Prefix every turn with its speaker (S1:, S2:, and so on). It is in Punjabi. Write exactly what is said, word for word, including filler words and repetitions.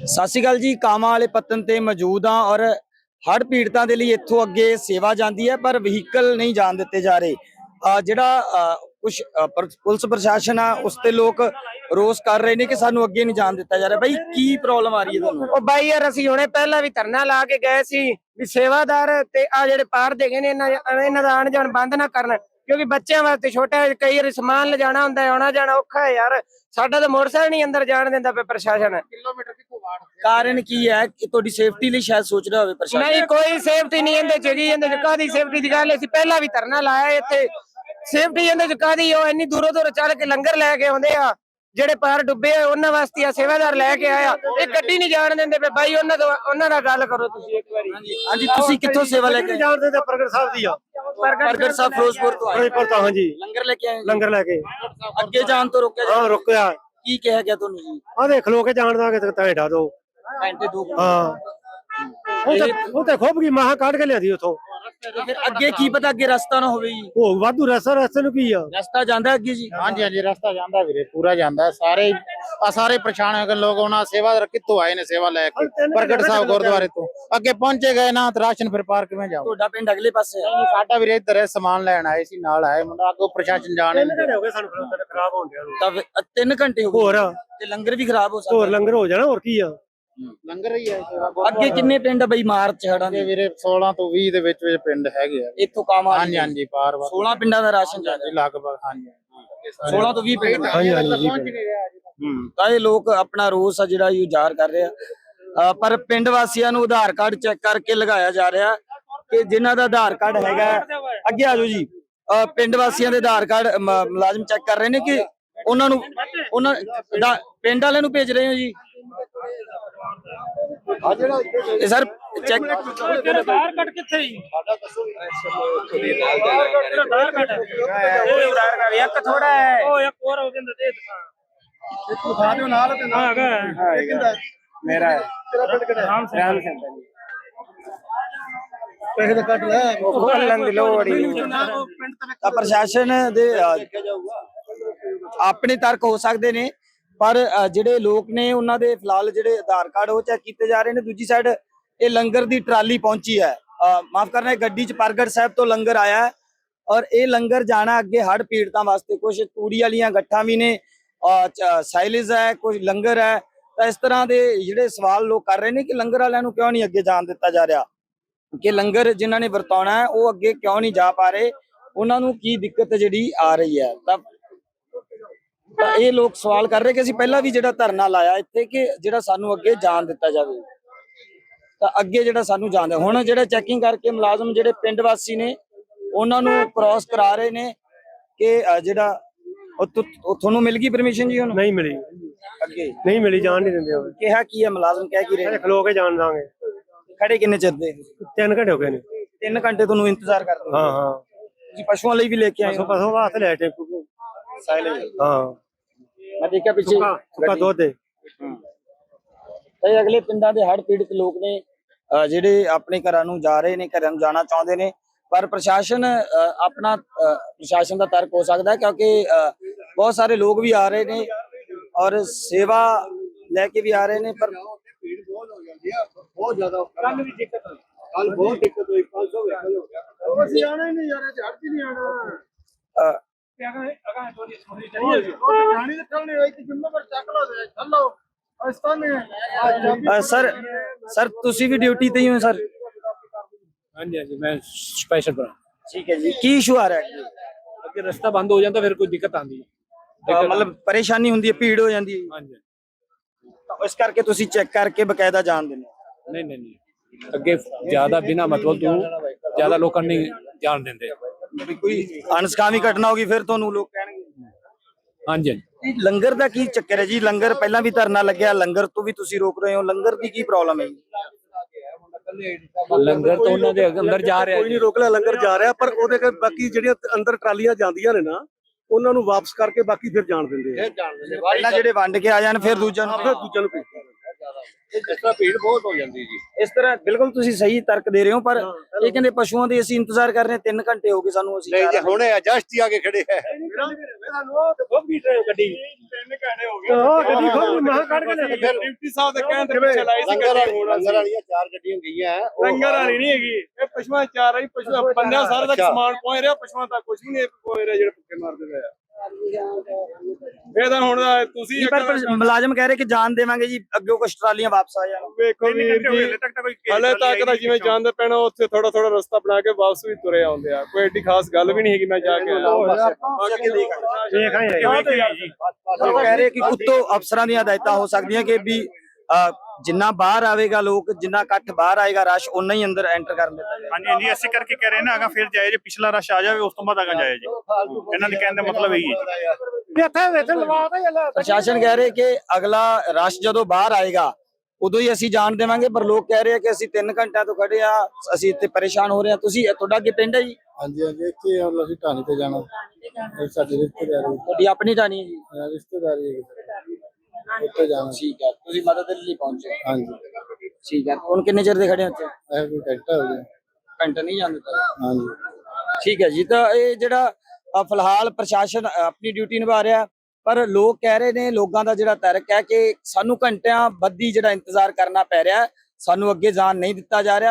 S1: ਸਤਿ ਸ਼੍ਰੀ ਅਕਾਲ ਜੀ। ਕਾਮਾਂ ਵਾਲੇ ਪੱਤਨ ਤੇ ਮੌਜੂਦ ਹਾਂ ਔਰ ਹੜ੍ਹ ਪੀੜਤਾਂ ਦੇ ਲਈ ਇੱਥੋਂ ਅੱਗੇ ਸੇਵਾ ਜਾਂਦੀ ਹੈ ਪਰ ਵਹੀਕਲ ਨਹੀਂ ਜਾਣ ਦਿੱਤੇ ਜਾ ਰਹੇ। ਅਹ ਜਿਹੜਾ ਕੁਝ ਪੁਲਿਸ ਪ੍ਰਸ਼ਾਸਨ ਆ ਉਸ ਤੇ ਲੋਕ ਰੋਸ ਕਰ ਰਹੇ ਨੇ ਕਿ ਸਾਨੂੰ ਅੱਗੇ ਨਹੀਂ ਜਾਣ ਦਿੱਤਾ ਜਾ ਰਿਹਾ। ਬਾਈ ਕੀ ਪ੍ਰੋਬਲਮ ਆ ਰਹੀ ਹੈ ਤੁਹਾਨੂੰ?
S2: ਉਹ ਬਾਈ ਯਾਰ ਅਸੀਂ ਹੁਣੇ ਪਹਿਲਾਂ ਵੀ ਧਰਨਾ ਲਾ ਕੇ ਗਏ ਸੀ ਵੀ ਸੇਵਾਦਾਰ ਤੇ ਆ ਜਿਹੜੇ ਪਾਰ ਦੇ ਗਏ ਨੇ ਇਹਨਾਂ ਇਹਨਾਂ ਦਾ ਆਣ ਜਾਣ ਬੰਦ ਨਾ ਕਰਨ, ਕਿਉਂਕਿ ਬੱਚਿਆਂ ਵਾਸਤੇ ਛੋਟਾ ਕਈ ਵਾਰੀ ਸਮਾਨ ਲਿਜਾਣਾ ਹੁੰਦਾ ਹੈ, ਆਉਣਾ ਜਾਣਾ ਔਖਾ ਹੈ ਯਾਰ। ਸਾਡਾ ਤਾਂ ਮੋਟਰਸਾਈਕਲ ਨਹੀਂ ਅੰਦਰ ਜਾਣ ਦਿੰਦਾ ਪਿਆ ਪ੍ਰਸ਼ਾਸਨ।
S1: ਕਿਲੋਮੀਟਰ ਕਿੱਥੋਂ ਬਾਹਰ ਕਾਰਨ ਕੀ ਹੈ ਕਿ ਤੁਹਾਡੀ ਸੇਫਟੀ ਲਈ ਸ਼ਾਇਦ ਸੋਚ ਰਿਹਾ ਹੋਵੇ ਪ੍ਰਸ਼ਾਸਨ?
S2: ਨਹੀਂ, ਕੋਈ ਸੇਫਟੀ ਨਹੀਂ ਇਹਦੇ ਚ ਜੀ। ਇਹਦੇ ਚ ਕਾਹਦੀ ਸੇਫਟੀ ਦੀ ਗੱਲ? ਅਸੀਂ ਪਹਿਲਾਂ ਵੀ ਧਰਨਾ ਲਾਇਆ ਇੱਥੇ। ਸੇਫਟੀ ਇਹਦੇ ਚ ਕਾਹਦੀ? ਉਹ ਇੰਨੀ ਦੂਰੋਂ ਦੂਰੋਂ ਚੱਲ ਕੇ ਲੰਗਰ ਲੈ ਕੇ ਆਉਂਦੇ ਆ, ਜਿਹੜੇ ਪਾਰ ਡੁੱਬੇ ਆ ਉਹਨਾਂ ਵਾਸਤੇ ਆ ਸੇਵਾਦਾਰ ਲੈ ਕੇ ਆਇਆ। ਇਹ ਗੱਡੀ ਨਹੀਂ ਜਾਣ ਦਿੰਦੇ ਪਏ ਬਾਈ। ਉਹਨਾਂ ਤੋਂ ਉਹਨਾਂ ਨਾਲ ਗੱਲ ਕਰੋ ਤੁਸੀਂ ਇੱਕ ਵਾਰੀ।
S1: ਹਾਂਜੀ, ਤੁਸੀਂ ਕਿੱਥੋਂ ਸੇਵਾ ਲੈ ਕੇ?
S3: ਜਾਣਦੇ ਤਾਂ ਪ੍ਰਗਟ ਸਾਹਿਬ ਦੀ ਆ।
S1: ਪ੍ਰਗਟ ਸਾਹਿਬ ਫਿਰੋਜ਼ਪੁਰ ਤੋਂ ਆਏ?
S3: ਫਿਰੋਜ਼ਪੁਰ ਤੋਂ, ਹਾਂਜੀ।
S1: ਲੰਗਰ ਲੈ ਕੇ ਆਏ?
S3: ਲੰਗਰ ਲੈ ਕੇ
S1: ਅੱਗੇ ਜਾਣ ਤੋਂ ਰੋਕਿਆ?
S3: ਹਾਂ, ਰੁਕਿਆ।
S1: ਕੀ ਕਿਹਾ ਗਿਆ ਤੁਹਾਨੂੰ ਜੀ?
S3: ਆ ਦੇਖ ਲੋ ਕੇ ਜਾਣ ਦਾਂਗੇ ਤਾਂ ਢਾ ਦੋ
S1: ਘੰਟੇ ਦੋ ਘੰਟੇ?
S3: ਹਾਂ, ਉਹ ਤੇ ਉਹ ਤੇ ਖੁੱਬ ਗਈ ਮਾਹ ਕੱਢ ਕੇ ਲਿਆਦੀ ਉਥੋਂ।
S1: ਫਿਰ ਅੱਗੇ ਕੀ ਪਤਾ ਅੱਗੇ ਰਸਤਾ ਨਾ ਹੋਵੇ ਜੀ?
S3: ਉਹ ਵਾਧੂ ਰਸਤਾ, ਰਸਤੇ ਨੂੰ ਕੀ ਆ?
S1: ਰਸਤਾ ਜਾਂਦਾ ਅੱਗੇ ਜੀ?
S4: ਹਾਂਜੀ ਹਾਂਜੀ, ਰਸਤਾ ਜਾਂਦਾ ਵੀਰੇ, ਪੂਰਾ ਜਾਂਦਾ। ਸਾਰੇ ਆ ਸਾਰੇ ਪਰੇਸ਼ਾਨ ਹੋ ਗਏ ਲੋਕ। ਉਹਨਾਂ ਸੇਵਾਦਾਰ ਕਿੱਥੋਂ ਆਏ ਨੇ ਸੇਵਾ ਲੈ ਕੇ? ਪ੍ਰਗਟ ਸਾਹਿਬ ਗੁਰਦੁਆਰੇ ਤੋਂ ਅੱਗੇ ਪਹੁੰਚੇ ਗਏ ਨਾ, ਤੇ ਰਾਸ਼ਨ ਫਿਰ ਪਾਰ ਕਿਵੇਂ ਜਾਓ?
S1: ਤੁਹਾਡਾ ਪਿੰਡ ਅਗਲੇ ਪਾਸੇ ਹੈ?
S4: ਸਾਡਾ ਵੀਰੇ ਇੱਧਰ ਹੈ, ਸਮਾਨ ਲੈਣ ਆਏ ਸੀ, ਨਾਲ ਆਏ ਮੁੰਡਾ। ਅੱਗੋਂ ਪ੍ਰਸ਼ਾਸਨ ਜਾਣੇ
S3: ਹੋ ਗਏ ਸਾਨੂੰ ਖਰਾਬ ਹੋਣ ਡਿਆ।
S1: ਤਾਂ ਫਿਰ ਤਿੰਨ ਘੰਟੇ ਹੋ ਗਏ
S3: ਹੋਰ
S1: ਤੇ ਲੰਗਰ ਵੀ ਖਰਾਬ ਹੋ ਸਕਦਾ।
S3: ਹੋਰ ਲੰਗਰ ਹੋ ਜਾਣਾ, ਹੋਰ ਕੀ ਆ?
S4: ਲੰਗਰ ਹੀ ਹੈ।
S1: ਅੱਗੇ ਕਿੰਨੇ ਪਿੰਡ ਬਈ ਮਾਰਚ ਹੜਾਂ ਦੇ?
S4: ਵੀਰੇ ਸੋਲਾਂ ਤੋਂ ਵੀਹ ਦੇ ਵਿੱਚ ਵਿੱਚ ਪਿੰਡ ਹੈਗੇ ਆ
S1: ਇੱਥੋਂ ਕਾਮਾਂ?
S4: ਹਾਂਜੀ ਹਾਂਜੀ, ਪਾਰ ਵਾਰ
S1: ਸੋਲਾਂ ਪਿੰਡਾਂ ਦਾ ਰਾਸ਼ਨ ਜਾ ਰਿਹਾ
S4: ਲਗਭਗ। ਹਾਂਜੀ
S1: ਸੋਲਾਂ ਤੋਂ ਵੀਹ ਪਿੰਡ।
S3: ਹਾਂਜੀ ਹਾਂਜੀ।
S1: ਹੂੰ, ਤਾਂ ਇਹ ਲੋਕ ਆਪਣਾ ਰੋਸ ਆ ਜਿਹੜਾ ਇਹ ਜ਼ਾਹਰ ਕਰ ਰਹੇ ਆ। ਪਰ ਪਿੰਡ ਵਾਸੀਆਂ ਨੂੰ ਆਧਾਰ ਕਾਰਡ ਚੈੱਕ ਕਰਕੇ ਲਗਾਇਆ ਜਾ ਰਿਹਾ ਕਿ ਜਿਨ੍ਹਾਂ ਦਾ ਆਧਾਰ ਕਾਰਡ ਹੈਗਾ। ਅੱਗੇ ਆ ਜਾਓ ਜੀ। ਪਿੰਡ ਵਾਸੀਆਂ ਦੇ ਆਧਾਰ ਕਾਰਡ ਮੁਲਾਜ਼ਮ ਚੈੱਕ ਕਰ ਰਹੇ ਨੇ ਕਿ ਉਹਨਾਂ ਨੂੰ ਉਹਨਾਂ ਪਿੰਡ ਵਾਲਿਆਂ ਨੂੰ ਭੇਜ ਰਹੇ ਹੋ ਜੀ? ਇਹ ਸਰ ਚੈੱਕ
S2: ਆਧਾਰ ਕਾਰਡ ਕਿੱਥੇ ਜੀ? ਸਾਡਾ ਦੱਸੋ। ਆਧਾਰ ਕਾਰਡ ਇੱਕ ਥੋੜਾ ਹੈ, ਉਹ ਇੱਕ ਹੋਰ ਹੋ ਜਾਂਦਾ ਦੇ ਦਿਖਾ। ਇੱਕ ਦਿਖਾ ਦਿਓ ਨਾਲ ਤੇ ਨਾਲ ਹੈਗਾ। ਇਹ ਕਿੰਦਾ?
S4: ਮੇਰਾ ਹੈ।
S2: ਤੇਰਾ ਪਿੰਡ ਕਿਹੜਾ? ਰਾਮ ਸਿੰਘ ਜੀ।
S3: ਪੈਸੇ ਤਾਂ ਕੱਢ ਲੈ।
S2: ਉਹ ਖੋਲਣ ਦੀ ਲੋੜ ਹੀ।
S1: ਤਾਂ ਪ੍ਰਸ਼ਾਸਨ ਦੇ ਆਪਣੇ ਤਰਕ ਹੋ ਸਕਦੇ ਨੇ ਪਰ ਜਿਹੜੇ ਲੋਕ ਨੇ ਉਹਨਾਂ ਦੇ ਫਿਲਹਾਲ ਜਿਹੜੇ ਆਧਾਰ ਕਾਰਡ ਉਹ ਚੈੱਕ ਕੀਤੇ ਜਾ ਰਹੇ ਨੇ। ਦੂਜੀ ਸਾਈਡ ਇਹ ਲੰਗਰ ਦੀ ਟਰਾਲੀ ਪਹੁੰਚੀ ਹੈ, ਮਾਫ ਕਰਨਾ, ਗੱਡੀ ਚ ਪ੍ਰਗਟ ਸਾਹਿਬ ਤੋਂ ਲੰਗਰ ਆਇਆ ਹੈ ਔਰ ਇਹ ਲੰਗਰ ਜਾਣਾ ਅੱਗੇ ਹੜ੍ਹ ਪੀੜਤਾਂ ਵਾਸਤੇ। ਕੁਝ ਤੂੜੀ ਵਾਲੀਆਂ ਗੱਠਾਂ ਵੀ ਨੇ, ਸਾਈਲੇਜ ਹੈ, ਕੁਝ ਲੰਗਰ ਹੈ। ਤਾਂ ਇਸ ਤਰ੍ਹਾਂ ਦੇ ਜਿਹੜੇ ਸਵਾਲ ਲੋਕ ਕਰ ਰਹੇ ਨੇ ਕਿ ਲੰਗਰ ਵਾਲਿਆਂ ਨੂੰ ਕਿਉਂ ਨਹੀਂ ਅੱਗੇ ਜਾਣ ਦਿੱਤਾ ਜਾ ਰਿਹਾ, ਕਿ ਲੰਗਰ ਜਿਨ੍ਹਾਂ ਨੇ ਵਰਤਾਉਣਾ ਹੈ ਉਹ ਅੱਗੇ ਕਿਉਂ ਨਹੀਂ ਜਾ ਪਾ ਰਹੇ, ਉਹਨਾਂ ਨੂੰ ਕੀ ਦਿੱਕਤ ਜਿਹੜੀ ਆ ਰਹੀ ਹੈ। ਤਾਂ ਤਾਂ ਇਹ ਲੋਕ ਸਵਾਲ ਕਰ ਰਹੇ ਕਿ ਅਸੀਂ ਪਹਿਲਾਂ ਵੀ ਜਿਹੜਾ ਧਰਨਾ ਲਾਇਆ ਇੱਥੇ ਕਿ ਜਿਹੜਾ ਸਾਨੂੰ ਅੱਗੇ ਜਾਣ ਦਿੱਤਾ ਜਾਵੇ। ਤਾਂ ਅੱਗੇ ਜਿਹੜਾ ਸਾਨੂੰ ਜਾਣ ਦੇ ਹੁਣ ਜਿਹੜਾ ਚੈਕਿੰਗ ਕਰਕੇ ਮੁਲਾਜ਼ਮ ਜਿਹੜੇ ਪਿੰਡ ਵਾਸੀ ਨੇ ਉਹਨਾਂ ਨੂੰ ਕ੍ਰਾਸ ਕਰਾ ਰਹੇ ਨੇ ਕਿ ਜਿਹੜਾ ਤੁਹਾਨੂੰ ਮਿਲ ਗਈ ਪਰਮਿਸ਼ਨ ਜੀ? ਹੁਣ
S3: ਨਹੀਂ ਮਿਲੀ,
S1: ਅੱਗੇ
S3: ਨਹੀਂ ਮਿਲੀ, ਜਾਣ ਨਹੀਂ ਦਿੰਦੇ। ਉਹ
S1: ਕਿਹਾ ਕੀ ਹੈ ਮੁਲਾਜ਼ਮ ਕਹਿ ਕੀ ਰਹੇ?
S3: ਖਲੋ ਕੇ ਜਾਣ ਦਾਂਗੇ।
S1: ਖੜੇ ਕਿੰਨੇ ਚਿਰ ਦੇ?
S3: ਤਿੰਨ ਘੰਟੇ ਹੋ ਗਏ ਨੇ।
S1: ਤਿੰਨ ਘੰਟੇ ਤੁਹਾਨੂੰ ਇੰਤਜ਼ਾਰ ਕਰਦੇ?
S3: ਹਾਂ ਹਾਂ।
S1: ਤੁਸੀਂ ਪਸ਼ੂਆਂ ਲਈ ਵੀ ਲੈ ਕੇ ਆਏ ਹੋ?
S3: ਪਸ਼ੂ ਵਾਸਤੇ ਲੈ ਟੈਂਪੂ। ਹਾਂ,
S1: ਮੈਂ ਦੇਖਿਆ ਪਿੱਛੇ
S3: ਸੁੱਕਾ ਦੁੱਧ ਦੇ।
S1: ਤੇ ਅਗਲੇ ਪਿੰਡਾਂ ਦੇ ਹੜ੍ਹ ਪੀੜਤ ਲੋਕ ਨੇ ਜਿਹੜੇ ਆਪਣੇ ਘਰਾਂ ਨੂੰ ਜਾ ਰਹੇ ਨੇ, ਘਰਾਂ ਨੂੰ ਜਾਣਾ ਚਾਹੁੰਦੇ ਨੇ ਪਰ ਪ੍ਰਸ਼ਾਸਨ ਆਪਣਾ ਪ੍ਰਸ਼ਾਸਨ ਦਾ ਤਰਕ ਹੋ ਸਕਦਾ ਕਿਉਂਕਿ ਬਹੁਤ ਸਾਰੇ ਲੋਕ ਵੀ ਆ ਰਹੇ ਨੇ ਔਰ ਸੇਵਾ ਲੈ ਕੇ ਵੀ ਆ ਰਹੇ ਨੇ। ਪਰ
S3: ਭੀੜ ਬਹੁਤ ਹੋ ਜਾਂਦੀ ਆ, ਬਹੁਤ ਜ਼ਿਆਦਾ। ਕੱਲ ਵੀ ਦਿੱਕਤ ਹੋਈ, ਕੱਲ ਬਹੁਤ ਦਿੱਕਤ ਹੋਈ। ਪੰਜ ਸੌ ਵਹੀਕਲ ਹੋ ਗਿਆ। ਅਸੀਂ ਆਣਾ ਹੀ ਨਹੀਂ ਯਾਰ, ਝੜ ਚ ਨਹੀਂ ਆਣਾ।
S1: ਸਰ ਸਰ ਤੁਸੀਂ ਵੀ ਡਿਊਟੀ ਤੇ ਹੀ ਹੋ ਸਰ?
S5: ਹਾਂਜੀ ਹਾਂਜੀ, ਮੈਂ ਸਪੈਸ਼ਲ ਬਣਾ।
S1: ਠੀਕ ਹੈ ਜੀ। ਕੀ ਇਸ਼ੂ ਆ ਰਿਹਾ ਹੈ?
S5: ਅੱਗੇ ਰਸਤਾ ਬੰਦ ਹੋ ਜਾਂਦਾ, ਫਿਰ ਕੋਈ ਦਿੱਕਤ ਆਉਂਦੀ ਹੈ।
S1: ਮਤਲਬ ਪਰੇਸ਼ਾਨੀ ਹੁੰਦੀ ਹੈ, ਭੀੜ ਹੋ ਜਾਂਦੀ ਹੈ?
S5: ਹਾਂਜੀ।
S1: ਇਸ ਕਰਕੇ ਤੁਸੀਂ ਚੈੱਕ ਕਰਕੇ ਬਕਾਇਦਾ ਜਾਣ ਦਿੰਦੇ?
S5: ਨਹੀਂ ਨਹੀਂ ਨਹੀਂ, ਅੱਗੇ ਜ਼ਿਆਦਾ ਬਿਨਾ ਮਤਲਬ ਤੋਂ ਜ਼ਿਆਦਾ ਲੋਕਾਂ ਨਹੀਂ ਜਾਣ ਦਿੰਦੇ।
S1: ਕੋਈ ਅਣਸਕਾਮੀ ਘਟਨਾ ਹੋਗੀ ਫਿਰ ਤੁਹਾਨੂੰ ਲੋਕ ਕਹਿਣਗੇ?
S5: ਹਾਂਜੀ ਹਾਂਜੀ।
S1: ਲੰਗਰ ਦਾ ਕੀ ਚੱਕਰ ਹੈ ਜੀ? ਲੰਗਰ ਪਹਿਲਾਂ ਵੀ ਧਰਨਾ ਲੱਗਿਆ, ਲੰਗਰ ਤੋਂ ਵੀ ਤੁਸੀਂ ਰੋਕ ਰਹੇ ਹੋ, ਲੰਗਰ ਦੀ ਕੀ ਪ੍ਰੋਬਲਮ ਹੈ ਜੀ?
S5: ਲੰਗਰ ਤੋਂ ਉਹਨਾਂ ਦੇ ਅੰਦਰ ਜਾ ਰਿਹਾ।
S3: ਕੋਈ ਨਹੀਂ ਰੋਕ ਲਿਆ, ਲੰਗਰ ਜਾ ਰਿਹਾ ਪਰ ਉਹਦੇ ਕੇ ਬਾਕੀ ਜਿਹੜੀਆਂ ਅੰਦਰ ਟਰਾਲੀਆਂ ਜਾਂਦੀਆਂ ਨੇ ਨਾ ਉਹਨਾਂ ਨੂੰ ਵਾਪਸ ਕਰਕੇ ਬਾਕੀ ਫਿਰ ਜਾਣ ਦਿੰਦੇ ਆ।
S1: ਪਹਿਲਾਂ ਜਿਹੜੇ ਵੰਡ ਕੇ ਆ ਜਾਣ ਫਿਰ ਦੂਜਿਆਂ ਨੂੰ
S3: ਫਿਰ ਦੂਜਿਆਂ ਨੂੰ ਭੇਜਦੇ ਆ।
S5: ਇਸ ਤਰ੍ਹਾਂ ਭੀੜ ਬਹੁਤ ਹੋ ਜਾਂਦੀ ਜੀ।
S1: ਇਸ ਤਰ੍ਹਾਂ ਬਿਲਕੁਲ ਤੁਸੀਂ ਸਹੀ ਤਰਕ ਦੇ ਰਹੇ ਹੋ ਪਰ ਇਹ ਕਹਿੰਦੇ ਪਸ਼ੂਆਂ ਦੇ ਅਸੀਂ ਇੰਤਜ਼ਾਰ ਕਰ ਰਹੇ ਹਾਂ, ਤਿੰਨ ਘੰਟੇ ਹੋ ਗਏ ਸਾਨੂੰ। ਅਸੀਂ
S6: ਨਹੀਂ ਜੀ, ਹੁਣੇ ਜਸਟ ਹੀ ਆ ਕੇ ਖੜੇ ਹੈ।
S3: ਤੁਹਾਨੂੰ ਤੇ ਖੁੱਬ ਗਈ ਟ੍ਰੇਨ ਗੱਡੀ ਤਿੰਨ ਘੰਟੇ ਹੋ ਗਏ ਉਹ ਗੱਡੀ ਖੁੱਬ ਮਹਾਂ ਕੱਢ ਕੇ ਲੈ ਡਿਪਟੀ ਸਾਹਿਬ ਦੇ ਕਹਿਣ ਤੇ ਪਿੱਛੇ ਲਾਈ ਸੀ
S6: ਲੰਗਰ ਵਾਲੀ ਲੰਗਰ ਵਾਲੀਆਂ ਚਾਰ ਗੱਡੀਆਂ ਗਈਆਂ ਉਹ
S3: ਲੰਗਰ ਵਾਲੀ ਨਹੀਂ ਹੈਗੀ ਇਹ ਪਸ਼ੂਆਂ ਚਾਰ ਆਈ ਪਸ਼ੂ ਬੰਦਿਆਂ ਸਾਰਾ ਤੱਕ ਸਮਾਨ ਪਹੁੰਚ ਰਿਹਾ ਪਸ਼ੂਆਂ ਤੱਕ ਕੁਝ ਵੀ ਨਹੀਂ ਪਹੁੰਚ ਰਿਹਾ ਜਿਹੜੇ ਭੁੱਖੇ ਮਰਦੇ ਪਏ ਆ ਇਹ ਤਾਂ ਹੁਣ ਤੁਸੀਂ
S1: ਜੀ, ਪਰ ਪਰ ਮੁਲਾਜ਼ਮ ਕਹਿ ਰਹੇ ਕਿ ਜਾਨ ਦੇਵਾਂਗੇ ਜੀ, ਅੱਗੇ ਕੁਝ ਟਰਾਲੀਆਂ ਵਾਪਸ ਆ ਜਾਣ।
S3: ਵੇਖੋ ਵੀਰ ਜੀ ਹਲੇ ਤੱਕ ਤਾਂ ਜਿਵੇਂ ਜਾਂਦੇ ਪੈਣਾ ਉੱਥੇ ਥੋੜਾ ਥੋੜਾ ਰਸਤਾ ਬਣਾ ਕੇ ਵਾਪਸ ਵੀ ਤੁਰੇ ਆਉਂਦੇ ਆ, ਕੋਈ ਏਡੀ ਖਾਸ ਗੱਲ ਵੀ ਨਹੀਂ ਹੈਗੀ। ਮੈਂ ਜਾ ਕੇ
S1: ਉਹ ਕਹਿ ਰਹੇ ਕਿ ਉੱਤੋਂ ਅਫਸਰਾਂ ਦੀਆਂ ਹਦਾਇਤਾਂ ਹੋ ਸਕਦੀਆਂ ਕਿ ਵੀ ਅ, ਜਿੰਨਾ ਬਾਹਰ ਆਵੇਗਾ ਲੋਕ, ਜਿੰਨਾ ਇਕੱਠ ਬਾਹਰ ਆਏਗਾ ਰਸ਼ ਉਨਾ ਹੀ ਅੰਦਰ ਐਂਟਰ ਕਰਨ ਦਿੱਤਾ ਜਾਏਗਾ।
S7: ਹਾਂਜੀ ਹਾਂਜੀ ਇਸੇ ਕਰਕੇ ਕਹਿ ਰਹੇ ਨਾ ਅਗਾ ਫਿਰ ਜਾਏ ਜੇ ਪਿਛਲਾ ਰਸ਼ ਆ ਜਾਵੇ ਉਸ ਤੋਂ ਬਾਅਦ ਅਗਾ ਜਾਏ ਜੀ, ਇਹਨਾਂ ਦੇ ਕਹਿਣ ਦਾ ਮਤਲਬ ਇਹੀ ਹੈ।
S1: ਪ੍ਰਸ਼ਾਸਨ ਕਹਿ ਰਹੇ ਕਿ ਅਗਲਾ ਰਸ਼ ਜਦੋਂ ਬਾਹਰ ਆਏਗਾ ਉਦੋਂ ਹੀ ਅਸੀਂ ਜਾਣ ਦੇਵਾਂਗੇ, ਪਰ ਲੋਕ ਕਹਿ ਰਹੇ ਆ ਕਿ ਅਸੀਂ ਤਿੰਨ ਘੰਟਿਆਂ ਤੋਂ ਖੜੇ ਆ, ਅਸੀਂ ਇੱਥੇ ਪਰੇਸ਼ਾਨ ਹੋ ਰਹੇ ਹਾਂ। ਤੁਸੀਂ ਤੁਹਾਡਾ ਅੱਗੇ ਪਿੰਡ ਹੈ ਜੀ?
S6: ਹਾਂਜੀ ਹਾਂਜੀ ਇੱਥੇ ਹੁਣ ਅਸੀਂ ਢਾਣੀ ਤੇ ਜਾਣਾ, ਇਹ ਸਾਡੀ ਰਿਸ਼ਤੇਦਾਰੀ
S1: ਤੁਹਾਡੀ ਆਪਣੀ ਟਾਣੀ ਹੈ ਜੀ?
S6: ਰਿਸ਼ਤੇਦਾਰੀ ਹੈ ਉੱਥੇ ਜਾਣਾ।
S1: ਠੀਕ ਹੈ, ਤੁਸੀਂ ਮਦਦ ਦੇ ਲਈ ਪਹੁੰਚੇ?
S6: ਹਾਂਜੀ
S1: ਠੀਕ ਹੈ। ਹੁਣ ਕਿੰਨੇ ਚਿਰ ਦੇ ਖੜੇ ਹੋ ਇੱਥੇ?
S6: ਇਹ ਕੋਈ ਘੰਟਾ ਹੋ ਗਿਆ।
S1: ਘੰਟਾ ਨਹੀਂ ਜਾਂਦਾ?
S6: ਹਾਂਜੀ
S1: ਠੀਕ ਹੈ ਜੀ। ਤਾਂ ਇਹ ਜਿਹੜਾ ਅ, ਫਿਲਹਾਲ ਪ੍ਰਸ਼ਾਸਨ ਅ, ਆਪਣੀ ਡਿਊਟੀ ਨਿਭਾ ਰਿਹਾ, ਪਰ ਲੋਕ ਕਹਿ ਰਹੇ ਨੇ, ਲੋਕਾਂ ਦਾ ਜਿਹੜਾ ਤਰਕ ਹੈ ਕਿ ਸਾਨੂੰ ਘੰਟਿਆਂ ਬੱਧੀ ਜਿਹੜਾ ਇੰਤਜ਼ਾਰ ਕਰਨਾ ਪੈ ਰਿਹਾ, ਸਾਨੂੰ ਅੱਗੇ ਜਾਣ ਨਹੀਂ ਦਿੱਤਾ ਜਾ ਰਿਹਾ।